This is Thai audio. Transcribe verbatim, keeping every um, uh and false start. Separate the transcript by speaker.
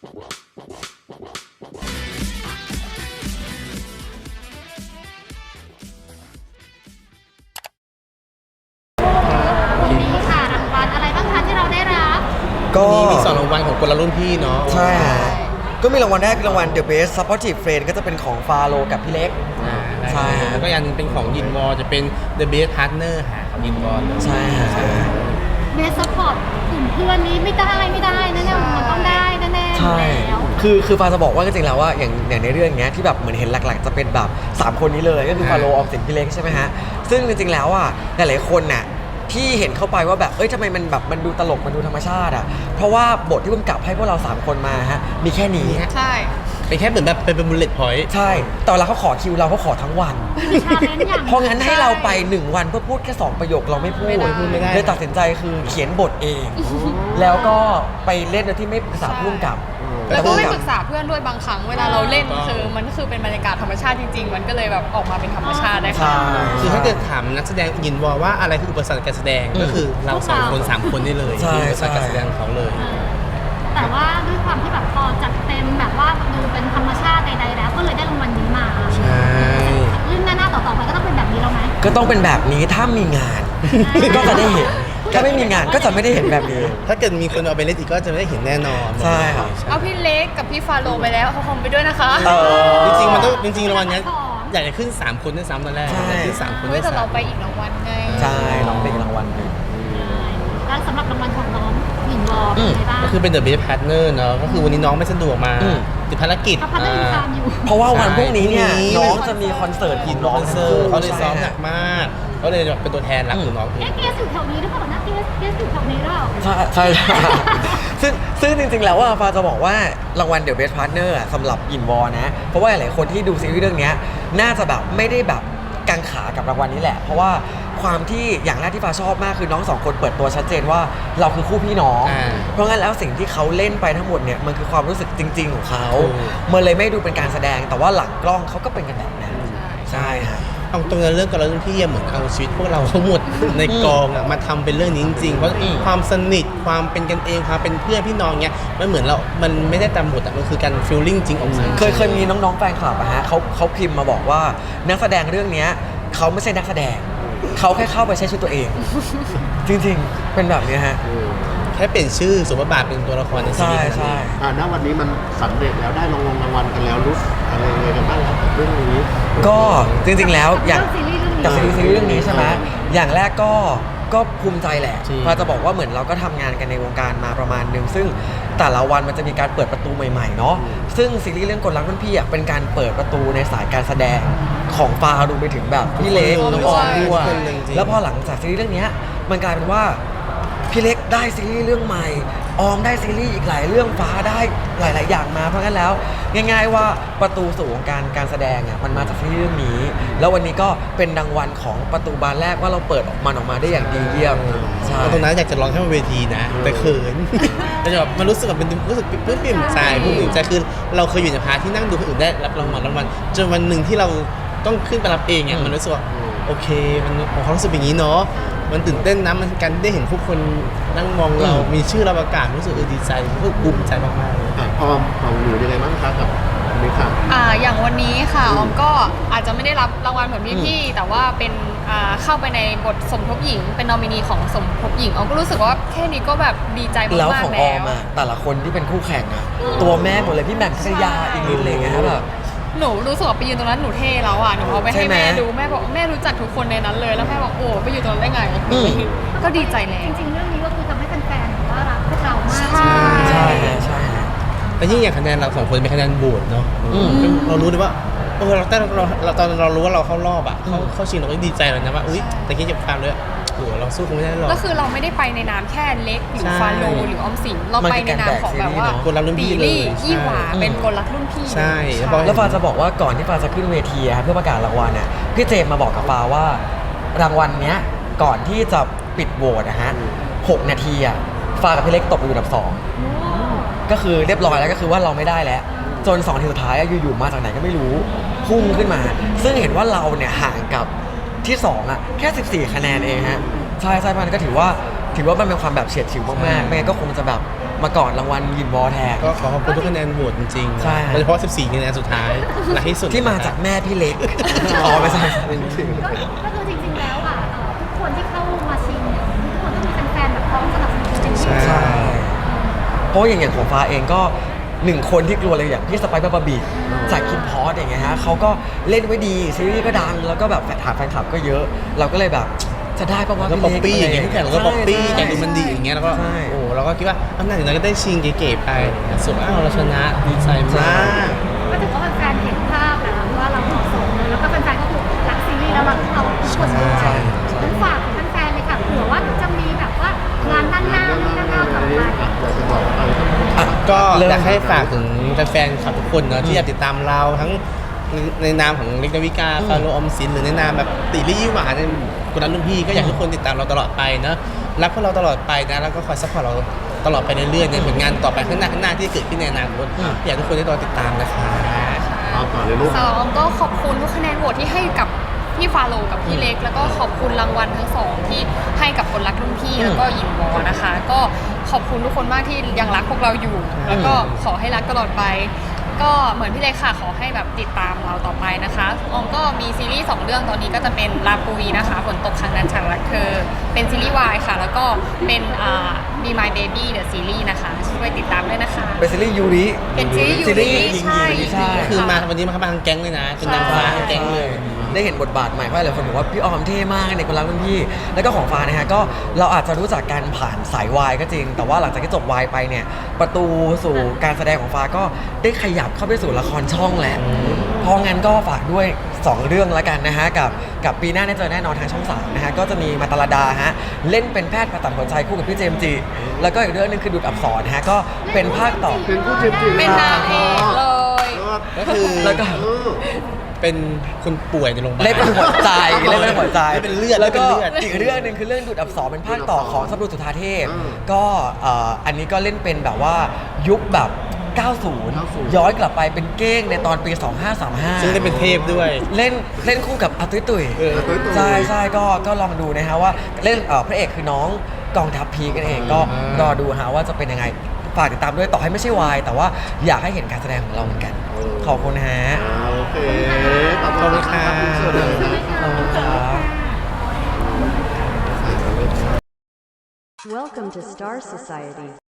Speaker 1: นี้ค่ะรางวัลอะไรบ้างคะที่เราได้รับ
Speaker 2: ก็
Speaker 3: วันนี้มีสองรางวัลของคนละรุ่นพี่เนาะ
Speaker 2: ใช่ฮะก็มีรางวัลแรกคือรางวัล The Best Supportive Friend ก็จะเป็นของฟาโลกับพี่เล็ก
Speaker 3: อ่า
Speaker 2: ใช่ฮะ
Speaker 3: แล้วก็อย่างหนึงเป็นของยินวอจะเป็น The Best Partner ค่ะของยินวอเลย
Speaker 2: ใช่ฮะ
Speaker 1: เบสซัพพอร์ตกลุ่มเพื่อนนี้ไม่ได้ไม่ได้แน่ๆมันต้องได้แน่ๆ
Speaker 2: ใช่
Speaker 1: แล้ว
Speaker 2: คือคือฟาจะบอกว่าจริงๆแล้วว่าอย่างอย่างในเรื่องเนี้ยที่แบบเหมือนเห็นหลักๆ จะเป็นแบบสามคนนี้เลยก็คือฟาโลออมสินพี่เล็กใช่ไหมฮะซึ่งจริงๆแล้วอ่ะหลายๆคนน่ะที่เห็นเข้าไปว่าแบบเอ้ยทำไมมันแบบมันดูตลกมันดูธรรมชาติอ่ะเพราะว่าบทที่กำกับให้พวกเราสามคนมาฮะมีแค่นี้
Speaker 4: ใช่
Speaker 3: เป็นแค่เหมือนแบบเป็นเป็นบุลเลตพอยต์
Speaker 2: ใช่แต่เวลาเขาขอคิวเราเขาขอทั้งวัน
Speaker 1: มีชาเลนจ์อย่าง
Speaker 2: เพราะงั้นให้เราไปหนึ่งวันเพื่อพูดแค่สองประโยคเราไม่พูด
Speaker 4: ไม่ได้
Speaker 3: พูดไม่ได้
Speaker 2: เลยตัดสินใจคือเขียนบทเอง แล้วก็ไปเล่นโดยที่ไม่ปรึกษาผู้กำกับ
Speaker 4: แล้วก็ไม่ปรึ
Speaker 2: ษ
Speaker 4: กษาเพื่อนด้วยบางครั้งเวลาเราเล่นคือมันก็คือเป็นบรรยากาศธรรมชาติจริงๆ มันก็เลยแบบออกมาเป็นธรรมชาติได้ค่ะ
Speaker 2: ใช่
Speaker 3: คือถ้าเกิดถามนักแสดงยินวอว่าอะไรคืออุปสรรคการแสดง
Speaker 2: อืม
Speaker 3: ก็คือเราสองคนสามคนนี่เลย
Speaker 2: ใช่
Speaker 3: คืออุปสรรคการแสดงของเขาเลย
Speaker 1: แต่ว่าด้วยความที่แบบพอจัดเต็มแบบว่าดูเป็นธรรมชาติใดๆแล้วก็เลยได้รางวัลนี้มา
Speaker 3: ใช่
Speaker 1: เรื่องหน้าๆต่อๆไปก็ต้องเป็นแบบนี้แล้วไหม
Speaker 2: ก็ต้องเป็นแบบนี้ถ้ามีงาน ก็จะได้เห็น ถ้าไม่มีงานก็จะไม่ได้เห็นแบบนี้
Speaker 3: ถ้าเกิดมีคนเอาไปเล่นอีกก็จะไม่ได้เห็นแน่นอน
Speaker 2: ใช่ครับ
Speaker 4: เอาพี่เล็กกับพี่ฟาโลไปแล้วเขาคงไปด้วยนะคะ
Speaker 2: เออ
Speaker 3: จริงๆมันต้องจริงๆรางวัลเนี้ยอยากจะขึ้นสามคนด้วยซ้ำตอนแรก
Speaker 2: ใช่
Speaker 3: อยากขึ้นสามคน
Speaker 4: เฮ้
Speaker 3: ด้วย ย
Speaker 4: แต่เรา
Speaker 3: ซ้ำ
Speaker 4: ไปอีกรางวัลไง
Speaker 2: ใช่น้องเป็นรางวัลหนึ่ง
Speaker 1: แล้วสำหรับรางวัลของน้องหญิงวอ
Speaker 2: อื
Speaker 1: เป็น
Speaker 2: ม
Speaker 1: ไงบ้าง
Speaker 3: ก็คือเป็น The Best Partner เนาะก็คือวันนี้น้องไม่สะดวกมา
Speaker 2: อืม
Speaker 3: ติดภารกิจ
Speaker 1: เขาพัฒนาการอยู่
Speaker 2: เพราะว่าวันพรุ่งนี้เนี่ย
Speaker 3: ใช่
Speaker 2: น้องจะมีคอนเสิร์ต
Speaker 3: ยิน
Speaker 2: ร้
Speaker 3: ร้
Speaker 2: อ
Speaker 3: อง ง
Speaker 2: ทั้
Speaker 3: เซ
Speaker 2: ง
Speaker 3: อ
Speaker 2: คู่
Speaker 3: ร์เขาเลยซ้อม
Speaker 2: ใช่
Speaker 3: หนักมากเขาเลยเป็นตัวแทนรักของน้องเอง
Speaker 1: เอ๊ะเกสอยู่แถวนี้หรือเปล่านะเกสเกสอยู่แถวนี้หรือเปล่า
Speaker 2: ใช่ใช่ใช่ซึ่งซึ่งจริงๆแล้วว่าฟาจะบอกว่ารางวัล The Best Partner อะสำหรับยินวอนะ เพราะว่าหลายๆคนที่ดูซีรีส์เรื่องเนี้ยน่าจะแบบไม่ได้แบบกังขากับรางวัลนี้แหละ เพราะว่าความที่อย่างแรกที่ฟาชอบมากคือน้องสองคนเปิดตัวชัดเจนว่าเราคือคู่พี่น้อง
Speaker 3: อ่า
Speaker 2: เพราะงั้นแล้วสิ่งที่เขาเล่นไปทั้งหมดเนี่ยมันคือความรู้สึกจริง ๆ ของเขา
Speaker 3: ถูก
Speaker 2: มันเลยไม่ดูเป็นการแสดงแต่ว่าหลังกล้องเขาก็เป็นกันแบบนั้นใช่ฮะ
Speaker 3: เอาตรงนั้นเรื่องกับเราเรื่องพี่เหมือนเอาชีวิตพวกเราทั้งหมดในกองอะมาทำเป็นเรื่องนี้จริงๆเพราะ
Speaker 2: อืม
Speaker 3: ความสนิทความเป็นกันเองความเป็นเพื่อนพี่น้องเนี้ยมันเหมือนเรา มันไม่ได้ตามบทอะมันคือการฟีลลิ่งจริงออกมา
Speaker 2: เคยเคยมีน้องๆแฟนคลับอะฮะเขาเขาพิมพ์มาบอกว่านักแสดงเรื่องเนี้ยเขาไม่ใช่นักแสดงเขาแค่เข้าไปใช้ชีวิตตัวเอง จริงๆ เป็นแบบนี้ฮะ
Speaker 3: แค่เปลี่ยนชื่อสมบทบาทเป็นตัวละครในซี
Speaker 2: ใช่
Speaker 3: รีส์
Speaker 2: ใช่
Speaker 5: อ่าณวันนี้มันสำเร็จแล้วได้รางวัลรางวัลกันแล้วรู้สึกอะไรยังไงกันบ้างครับเรื่องนี้
Speaker 2: ก็จริงๆแล้วอย่าง
Speaker 1: เรื่องซีรีส์เรื่องนี้
Speaker 2: กับซีรีส์ซีรีส์เรื่องนี้ใช่ไหมอย่างแรกก็ก็ภูมิใจแหละ
Speaker 3: จริง
Speaker 2: พาจะบอกว่าเหมือนเราก็ทำงานกันในวงการมาประมาณหนึ่งซึ่งแต่ละวันมันจะมีการเปิดประตูใหม่ๆเนาะซึ่งซีรีส์เรื่องกลรักรุ่นพี่อ่ะเป็นการเปิดประตูในสายการแสดงของฟารวมไปถึงแบบพี่เล็กน้องออมด้วย
Speaker 3: ทุกคนเลยจริงๆ
Speaker 2: แล้วพอหลังจากซีรีส์เรื่องเนี้ยมันกลายเป็นว่าพี่เล็กได้ซีรีส์เรื่องใหม่ออมได้ซีรีส์อีกหลายเรื่องฟ้าได้หลาย ๆ อย่างมาเพราะงั้นแล้วง่าย ๆ ว่าประตูสู่วงการการแสดงอ่ะมันมาจากซีรีส์เรื่องนี้ แล้ววันนี้ก็เป็นรางวัลของประตูบานแรกว่าเราเปิดออกมันออกมาได้อย่างดีเยี่ยมใช่
Speaker 3: ตรงนั้นอยากจะร้องให้บนเวทีนะ แต่เขิน แต่แบบมันรู้สึกแบบเป็นรู้สึกปลื้มปิ่มใจปลื้มปิ่มใจคือเราเคยอยู่ในพาร์ทที่นั่งดูคนอื่นได้รับรางวัลรางวัลจนวันหนึ่งที่เราต้องขึ้นไปรับเองอ่ะมันรู้สึกว่าโอเคมันความรู้สึกอย่างนี้เนาะมันตื่นเต้นนะมันการได้เห็นผู้คนนั่งมองเรา มีชื่อเราประกาศรู้สึกเออดีใจรู้สึกภูมิใจมากๆเลย
Speaker 5: อ่ะออมของหนูยังไงบ้างคะกับอันนี้ค่ะ
Speaker 4: อ่าอย่างวันนี้ค่ะออมก็อาจจะไม่ได้รับรางวัลเหมือนพี่ๆแต่ว่าเป็นอ่าเข้าไปในบทสมทบหญิง เป็นนอมินีของสมทบหญิงออมก็รู้สึกว่าแค่นี้ก็แบบดีใจมากๆ
Speaker 2: แล้
Speaker 4: แล้ว ว
Speaker 2: ของออมอ่ะแต่ละคนที่เป็นคู่แข่งอ่ะตัวแม่หมดเลยพี่แหม่มคัทยาอีกนิดอะไรเงี้ยแบบ
Speaker 4: หนูรู้สึกว่าไปยืนตรงนั้นหนูเท่แล้วอ่ะหนูเอาไป
Speaker 2: ใช่
Speaker 4: ให้
Speaker 2: ไหม
Speaker 4: แม่ดูแม่บอกแม่รู้จักทุกคนในนั้นเลยแล้วแม่บอกโอ้ไปอยู่ตรงนั้นได้ไง
Speaker 2: อืม
Speaker 4: ก็ดีใจแล้
Speaker 1: จ
Speaker 4: ว
Speaker 1: ริงๆเรื่องนี้ก็คือทำให้แฟนๆแบบว่ารักพวกเรามาก
Speaker 4: ใช่
Speaker 2: ใช่ฮะใช่ฮะ
Speaker 3: แต่ยิ่งอย่างคะแนนเราสองคนเป็นคะแนนโหวตเนาะ
Speaker 2: อืม
Speaker 3: เรารู้เลยว่าเออเราแต่เราเราตอนเรารู้ว่าเราเข้ารอบอ่ะเข้าเข้าชิงเราก็ดีใจแล้วนะว่าอุ้ยแต่คิดจะฟังเลยโอ้โหเราสู้คงไม่ได้หรอก
Speaker 4: ก็คือเราไม่ได้ไปในนามแค่เล็กหรือ
Speaker 3: ใช่
Speaker 4: ฟาโลหรือออมสินเราไปในนามของแบบว่า
Speaker 3: คนรักรุ่นพี่
Speaker 4: ตี
Speaker 3: เลย
Speaker 4: ลี่ยี่หวา
Speaker 3: ใช่
Speaker 4: เป็นคนรักรุ่นพี่
Speaker 3: ใช่แล้วพอ
Speaker 2: แล้วฟาจะบอกว่าก่อนที่ฟาจะขึ้นเวทีอะครับเพื่อประกาศรางวัลเนี่ยพี่เจมส์มาบอกกับฟาว่ารางวัลเนี้ยก่อนที่จะปิดโหวตนะฮะหกนาทีอะฟากับพี่เล็กตกอยู่อันดับสองก็คือเรียบร้อยแล้วก็คือว่าเราไม่ได้แล้ว จนสองทีสุดท้ายอะอยู่ๆมาจากไหนก็ไม่รู้พุ่งขึ้นมา ซึ่งเห็นว่าเราเนี่ยห่างกับที่สองอะแค่สิบสี่คะแนนเองฮะใช่ใช่มันก็ถือว่าถือว่ามันเป็นความแบบเฉียดฉิวมากๆไม่งั้นก็คงจะแบบมาก่อนรางวัลยินวอแทน
Speaker 3: ก็ขอขอบคุณทุกคะแนนโหวตจริงๆ
Speaker 2: ใช่ครับ
Speaker 3: โดยเฉพาะ สิบสี่คะแนนสุดท้ายและที่สุด
Speaker 2: ที่มาจากแม่พี่เล็ก อ๋อไม่ใช่
Speaker 1: ก็ก็คือจริงๆแล้วอ่ะเอ่อทุกคนที่เข้ามาชิงเนี่ยทุกคนต้องมีแฟนๆแบบพร้อมสนับสนุนเต็มที่
Speaker 2: ใช่ เพราะอย่างอย่างของฟ้าเองก็หนึ่งคนที่กลัวเลยอย่างพี่สไปซ์บาบาบีจากคิมพอสอย่างเงี้ยฮะเขาก็เล่นไว้ดีซีรีส์ก็ดังแล้วก็แบบฐานแฟนคลับก็เยอะ เราก็เลยแบบจะได้ปะวะ
Speaker 3: แล้ว
Speaker 2: พี่
Speaker 3: ป๊อป
Speaker 2: เล็ก
Speaker 3: ปี้อย่างเงี้ยทุกอย่างเราก็ป๊อปปี้
Speaker 2: ใช่
Speaker 3: อย่างดูมันดีอย่างเงี้ยแล้วก็
Speaker 2: ใช่
Speaker 3: โอ้เราก็คิดว่าอำนาจอย่างนั้นก็ได้ชิงเก๋ๆไปสุดอ้าวเราชนะดีใจมาก
Speaker 1: ก็ถือว่าแฟนๆเห็นภาพแล้วว่าเราเหมาะสมเลยแล้วก็แฟนๆก็คือรักซีรีส์แล้วเราเราทุกคนด้วย
Speaker 2: ใช่
Speaker 1: งั้นฝากถึงแฟนๆเลยค่ะเผื่อว่าจะมีแบบว่างานด้านหน้าที่ด้านหน้าต่อไป
Speaker 5: อยากจะบอกอะไรกับ
Speaker 2: อ่ะ
Speaker 3: ก็
Speaker 2: เริ่ม
Speaker 3: อยากให้ฝากถึงแฟนๆขับทุกคนเนอะที่อยากติดตามเราทั้งในในนามของเล็กนาวิกาฟาโรออมสินหรือในนามแบบติลี่ยี่หวานในกุนันรุ่นพี่ก็อยากให้ทุกคนติดตามเราตลอดไปเนอะรักพวกเราตลอดไปนะแล้วก็คอยซัพพอร์ตเราตลอดไปเรื่อยๆในผลงานต่อไปข้างหน้าข้างหน้าที่เกิดขึ้นในอนาคตอยากให้ทุกคนได้รอติดตามนะคะ
Speaker 5: เอาก่อนเลยลูก
Speaker 4: สองก็ขอบคุณทุกคะแนนโหวตที่ให้กับพี่ฟาโลกับพี่เล็ก แล้วก็ขอบคุณรางวัลทั้งสองที่ให้กับคนรักรุ่นพี่แล้วก็หญิงวอนะคะ ก็ขอบคุณทุกคนมากที่ยังรักพวกเราอยู่ แล้วก็ขอให้รักตลอดไป ก็เหมือนพี่เล็กค่ะขอให้แบบติดตามเราต่อไปนะคะออมก็มีซีรีส์สองเรื่องตอนนี้ก็จะเป็นลาปุยนะคะฝนตกครั้งนั้นฉันรักเธอเป็นซีรีส์วายค่ะ แล้วก็เป็นอ่า Be My Baby The Series นะคะช่วยติดตามด้วยนะคะ
Speaker 2: เป็นซีรีส์ยูริ
Speaker 4: เป็นซีรีส์ยู
Speaker 2: ซี
Speaker 4: ริ
Speaker 2: รีส์หญิง
Speaker 4: ใช่
Speaker 2: ยูริใช่
Speaker 3: คือมาวันนี้มาทั้งแก๊งเลยนะเป็นนางฟ้าทั้งแก๊งเลย
Speaker 2: ได้เห็นบทบาทใหม่เพราะหลายคนบอกว่าพี่ออมเท่มากในคนรักรุ่นพี่ แล้วก็ของฟ้านะฮะก็เราอาจจะรู้จักการผ่านสายวายก็จริง แต่ว่าหลังจากที่จบวายไปเนี่ยประตูสู่การแสดงของฟ้าก็ได้ขยับเข้าไปสู่ละครช่องแหละเพราะงั้นก็ฝากด้วยสองเรื่องแล้วกันนะฮะกับกับปีหน้าได้เจอแน่นอนทางช่องสามนะฮะก็จะมีมาตาลดาฮะเล่นเป็นแพทย์ผ่าตัดหัวใจคู่กับพี่เจมส์จิแล้วก็อีกเรื่องหนึงคือดูดอับสรฮะก็เป็นภาคต่อ
Speaker 5: เป็นผู้จิบจิ
Speaker 4: เป็นนางเอกเลย
Speaker 3: ก็คือ
Speaker 2: แล้วก็
Speaker 3: เป็นคนป่วยในโรงพยาบาล
Speaker 2: เล่นเป็นหัวใจเล่นเป็นหัวใจ
Speaker 3: เล่นเป็นเลือด
Speaker 2: แล้วก็
Speaker 3: เล่นเป็นเลือด
Speaker 2: อีกเรื่องหนึ่งคือเรื่องดูดอับสรเป็นภาคต่อของสับรูสุธาเทพ ก็เอ่ออันนี้ก็เล่นเป็นแบบว่ายุคแบบ เก้าสิบ ย้อนกลับไปเป็นเก้งในตอนปี สองพันห้าร้อยสามสิบห้า
Speaker 3: ซึ่งได้เป็นเทพด้วย
Speaker 2: เล่นเล่นคู่กับอาตุ้ยตุ๋ย
Speaker 3: เออ
Speaker 5: ตุ้ยตุ๋ย
Speaker 2: ใช่ใช่ก็ก็ลองดูนะฮะว่าเล่นเอ่อพระเอกคือน้องกองทัพพีกันเองก็
Speaker 3: อ่าร
Speaker 2: อดูฮะว่าจะเป็นยังไงฝากติดตามด้วยต่อให้ไม่ใช่วายแต่ว่าอยากให้เห็นการแสดงของเราเหมือนกัน ขอบคุณฮะ
Speaker 5: อ่าโอเคขอบคุณค่ะคุณเชิญเลยนะ
Speaker 2: ขอบคุณครับ
Speaker 6: Welcome to Star Society.